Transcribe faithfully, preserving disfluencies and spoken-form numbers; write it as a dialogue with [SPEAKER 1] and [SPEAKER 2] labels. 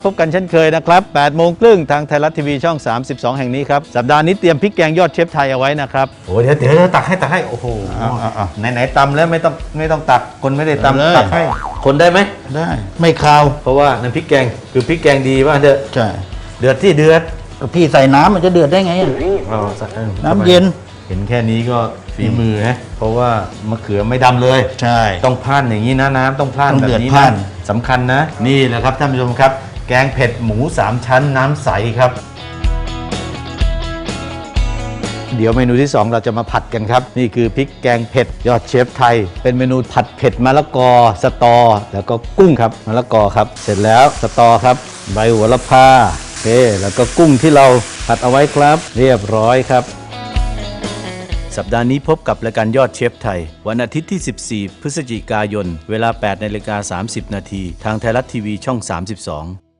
[SPEAKER 1] พบกันเช่นเคยนะครับแปดโมงครึ่งทางไทยรัฐทีวีช่องสามสิบสองแห่งนี้ครับสัปดาห์นี้เตรียมพริกแกงยอดเชฟไทยเอาไว้นะครับ
[SPEAKER 2] โอ้เดี๋ยวเดี๋ยวตักให้ตักให้โอ้โหไหนๆตำแล้วไม่ต้องไม่ต้องตักคนไม่ได้ตำตักให้คนได้ไหม
[SPEAKER 1] ได้ไม่คาว
[SPEAKER 2] เพราะว่าน้ำพริกแกงคือพริกแกงดีว่าเด้อ
[SPEAKER 1] ใช่
[SPEAKER 2] เดือดที่เดือด
[SPEAKER 1] พี่ใส่น้ำมันจะเดือดได้ไงน้ำเย็น
[SPEAKER 2] เห็นแค่นี้ก็ฝีมือฮะเพราะว่ามะเขือไม่ดำเลย
[SPEAKER 1] ใช่
[SPEAKER 2] ต้องพล่านอย่างนี้นะน้ำต้องพล่านแบบนี้นะสำคัญนะนี่แหละครับท่านผู้ชมครับแกงเผ็ดหมูสามชั้นน้ำใสครับเดี๋ยวเมนูที่สองเราจะมาผัดกันครับนี่คือพริกแกงเผ็ดยอดเชฟไทยเป็นเมนูผัดเผ็ดมะละกอสตอแล้วก็กุ้งครับมะละกอครับเสร็จแล้วสตอครับใบโหระพาโอเคแล้วก็กุ้งที่เราผัดเอาไว้ครับเรียบร้อยครับสัปดาห์นี้พบกับรายการยอดเชฟไทยวันอาทิตย์ที่สิบสี่พฤศจิกายนเวลา แปดนาฬิกาสามสิบนาทีทางไทยรัฐทีวีช่องสามสิบสอง